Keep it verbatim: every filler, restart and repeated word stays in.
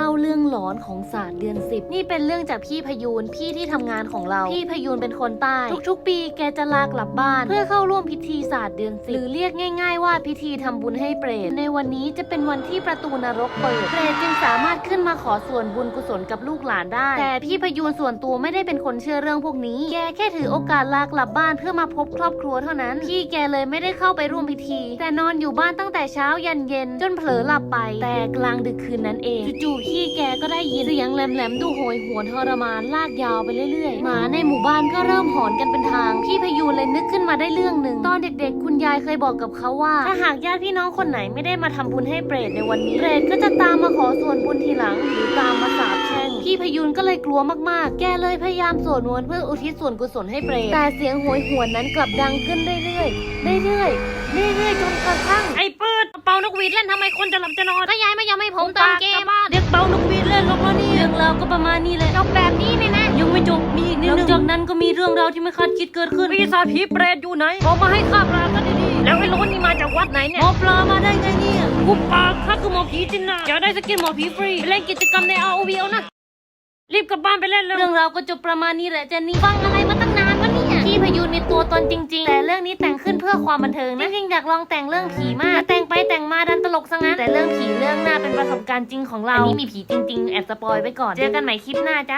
าเรื่องหลอนของศาสตร์เดือนสิบนี่เป็นเรื่องจากพี่พยูนพี่ที่ทำงานของเราพี่พยูนเป็นคนใต้ทุกๆปีแกจะลากลับบ้านเพื่อเข้าร่วมพิธีศาสตร์เดือนสิบหรือเรียกง่ายๆว่าพิธีทำบุญให้เปรตในวันนี้จะเป็นวันที่ประตูนรกเปิดเปรตจึงสามารถขึ้นมาขอส่วนบุญกุศลกับลูกหลานได้แต่พี่พยูนส่วนตัวไม่ได้เป็นคนเชื่อเรื่องพวกนี้แกแค่ถือโอกาสลากลับบ้านเพื่อมาพบครอบครัวเท่านั้นพี่แกเลยไม่ได้เข้าไปร่วมพิธีแต่นอนอยู่บ้านตั้งแต่เช้ายันเย็นจนเผลอหลับไปแต่กลางดึกคืนนั้นเองจู่ๆพี่แกก็ได้ยินเสียงแหลมๆดูโหยหวนทรมานลากยาวไปเรื่อยๆหมาในหมู่บ้านก็เริ่มหอนกันเป็นทางพี่พยูนเลยนึกขึ้นมาได้เรื่องหนึ่งตอนเด็กๆคุณยายเคยบอกกับเขาว่าถ้าหากญาติพี่น้องคนไหนไม่ได้มาทำบุญให้เปรตในวันนี้เปรตก็จะตามมาขอส่วนบุญทีหลังหรือตามมาสาปแช่งพี่พยูนก็เลยกลัวมากๆแกเลยพยายามสวดมนต์เพื่ออุทิศส่วนกุศลให้เปรตแต่เสียงโหยหวนนั้นกลับดังขึ้นเรื่อยๆเรื่อยๆเรื่อยๆจนกระทั่งไอ้เปิดเป่านกหวีดเล่นทำไมคนจะหลับจะนอนก็ยายไม่ยอมให้ผมตามเกมเด็กเป่านกหวีดเล่นลงแล้วนี่เรื่องราวก็ประมาณนี้เลยจบแบบนี้เลยนะยังไม่จบมีอีกนิดนึงหลังจากนั้นก็มีเรื่องราวที่ไม่คาดคิดเกิดขึ้นปีศาจผีเปรตอยู่ไหนออกมาให้ข้าปลากันดีๆแล้วไอ้โลนนี่มาจากวัดไหนเนี่ยหมอปลามาได้ไงเนี่ยกูปากข้าคือหมอผีจินนาอยากได้สกินหมอผีฟรีไปเล่นกิจกรรมใน อาร์ โอ วี เอานะรีบกลับบ้านไปเล่นเลยเรื่องราวก็จบประมาณนี้แหละเจนนี่ฟังอะไรมาตั้งนานวะเนี่ยพี่พยูนมีตัวตนจริงๆแต่เรื่องนี้แต่งขึ้นเพื่อความบันเทิงนะจริงๆอยากลองแต่งเรื่องผีมากแต่แต่งไปแต่งมาดันตลกซะงั้นแต่เรื่องผีเรื่องหน้าเป็นประสบการณ์จริงของเราอันนี้มีผีจริงๆแอบสปอยไว้ก่อนเจอกันใหม่คลิปหน้าจ้ะ